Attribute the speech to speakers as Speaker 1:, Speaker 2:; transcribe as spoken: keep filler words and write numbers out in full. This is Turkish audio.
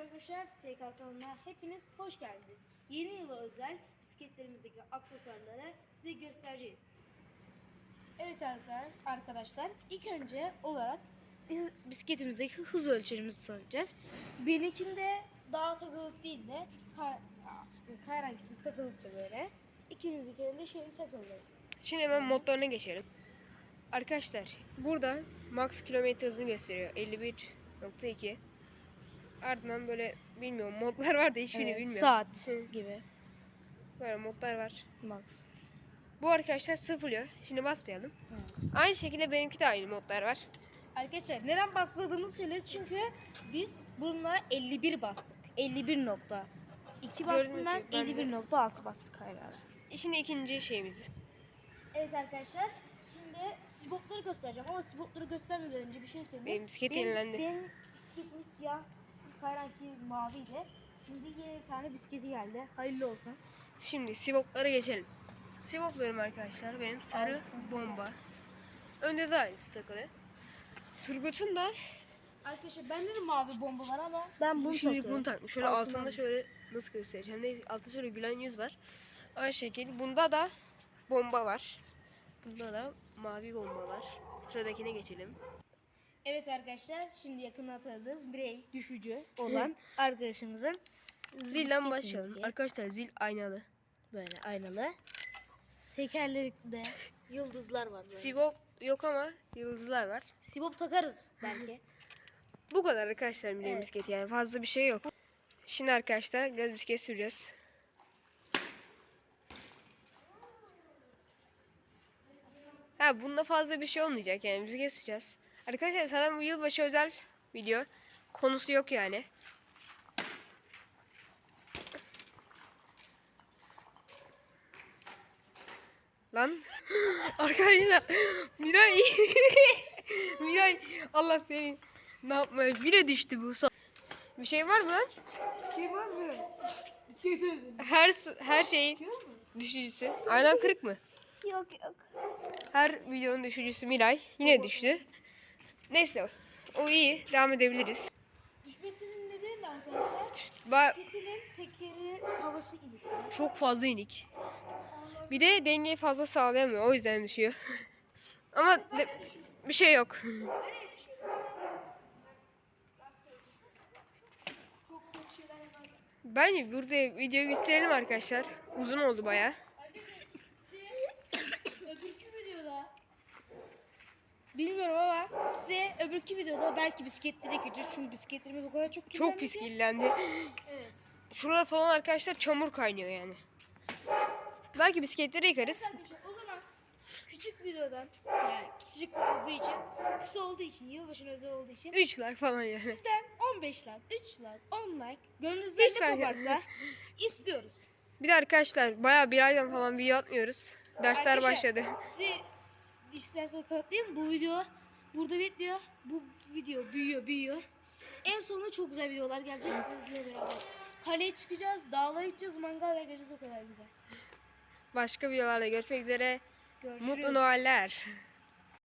Speaker 1: arkadaşlar, T K kanalına hepiniz hoş geldiniz. Yeni yıla özel bisikletlerimizdeki aksesuarları size göstereceğiz. Evet arkadaşlar, ilk önce olarak biz bisikletimizdeki hız ölçerimizi tanıyacağız. Benimkinde daha takılık değil de kayrankili takılık da böyle. İkimizdikinde şeyin takıldı.
Speaker 2: Şimdi hemen modlarına geçelim. Arkadaşlar burada max kilometre hızını gösteriyor. elli bir nokta iki. Ardından böyle bilmiyorum modlar var da hiçbirini
Speaker 1: Evet,
Speaker 2: bilmiyorum.
Speaker 1: saat gibi.
Speaker 2: Böyle modlar var.
Speaker 1: Max.
Speaker 2: Bu arkadaşlar sıfırlıyor. Şimdi basmayalım.
Speaker 1: Evet.
Speaker 2: Aynı şekilde benimki de aynı modlar var.
Speaker 1: Arkadaşlar neden basmadığımızı söyleyeyim çünkü biz bununla elli bir bastık. elli bir nokta iki bastım
Speaker 2: Gördüm
Speaker 1: ben,
Speaker 2: ki ben de-
Speaker 1: elli bir nokta altı bastık hala.
Speaker 2: Şimdi ikinci şeyimiz.
Speaker 1: Evet arkadaşlar, şimdi sibopları göstereceğim ama sibopları göstermeden önce bir şey söyleyeyim.
Speaker 2: Benim bisiklet yenilendi.
Speaker 1: Benim bisikletim siyah, kayranki maviydi. Şimdi yeni bir tane bisikleti geldi. Hayırlı olsun.
Speaker 2: Şimdi sivoplara geçelim. Sivoplarım arkadaşlar benim sarı
Speaker 1: Altın.
Speaker 2: bomba. Önde de aynısı takılı. Turgut'un da
Speaker 1: Arkadaşlar bende de mavi bomba var ama ben bunu
Speaker 2: Şimdi
Speaker 1: takıyorum.
Speaker 2: bunu takmış. Şöyle
Speaker 1: Altından-
Speaker 2: altında şöyle nasıl göstereceğim? Neyse altında şöyle gülen yüz var. Aynı şekilde bunda da bomba var. Bunda da mavi bomba var. Sıradakine geçelim.
Speaker 1: Evet arkadaşlar, şimdi yakından tanıdığınız birey düşücü olan arkadaşımızın
Speaker 2: Zilden
Speaker 1: bisiklet
Speaker 2: başlayalım.
Speaker 1: bilgi.
Speaker 2: Arkadaşlar zil aynalı.
Speaker 1: Böyle aynalı. Tekerlerinde yıldızlar var böyle.
Speaker 2: Sivop yok ama yıldızlar var.
Speaker 1: Sibop takarız belki.
Speaker 2: Bu kadar arkadaşlar benim
Speaker 1: Evet.
Speaker 2: bisikleti yani fazla bir şey yok. Şimdi arkadaşlar biraz bisiklet süreceğiz. Ha bunda fazla bir şey olmayacak yani bisiklet süreceğiz. Arkadaşlar zaten bu yılbaşı özel video. Konusu yok yani. Lan arkadaşlar Miray Miray Allah seni ne yapmaya bire düştü bu son. Bir şey var mı lan?
Speaker 1: Şey var mı? Bisiklet özüm.
Speaker 2: Her her şeyin düşücüsü. Aynen kırık mı?
Speaker 1: Yok yok.
Speaker 2: Her videonun düşücüsü Miray yine düştü. Neyse o iyi devam edebiliriz.
Speaker 1: Düşmesinin nedeni de arkadaşlar
Speaker 2: Ba
Speaker 1: bisikletinin tekeri havası inik.
Speaker 2: çok fazla inik. Bir de dengeyi fazla sağlayamıyor o yüzden düşüyor. Ama de- bir şey yok.
Speaker 1: Çok kötü şeyler yapar.
Speaker 2: Bence burada videoyu bitirelim arkadaşlar. Uzun oldu baya.
Speaker 1: Öbürkü videoda bilmiyorum ama size öbürkü videoda belki bisikletlere geçeceğiz çünkü bisikletlerimiz o kadar çok
Speaker 2: Çok pis
Speaker 1: kirlendi ki.
Speaker 2: kirlendi.
Speaker 1: Evet.
Speaker 2: Şurada falan arkadaşlar çamur kaynıyor yani. Belki bisikletleri yıkarız.
Speaker 1: Arkadaşlar o zaman küçük videodan yani küçük olduğu için kısa olduğu için yılbaşına özel olduğu için
Speaker 2: üç like falan yani.
Speaker 1: sizden on beş like, üç like, on like gönlünüzden
Speaker 2: Hiç
Speaker 1: ne
Speaker 2: fark
Speaker 1: koparsa istiyoruz.
Speaker 2: Bir de arkadaşlar bayağı bir aydan falan video atmıyoruz. Dersler
Speaker 1: Arkadaşlar,
Speaker 2: başladı.
Speaker 1: Size isterseniz kanıtlayayım, bu video burada bitmiyor. Bu video büyüyor büyüyor. En sonunda çok güzel videolar gelecek sizinle beraber. Kaleye çıkacağız, dağlara gideceğiz, mangal yakacağız, o kadar güzel.
Speaker 2: Başka videolarda görüşmek üzere.
Speaker 1: Görüşürüz.
Speaker 2: Mutlu Noeller.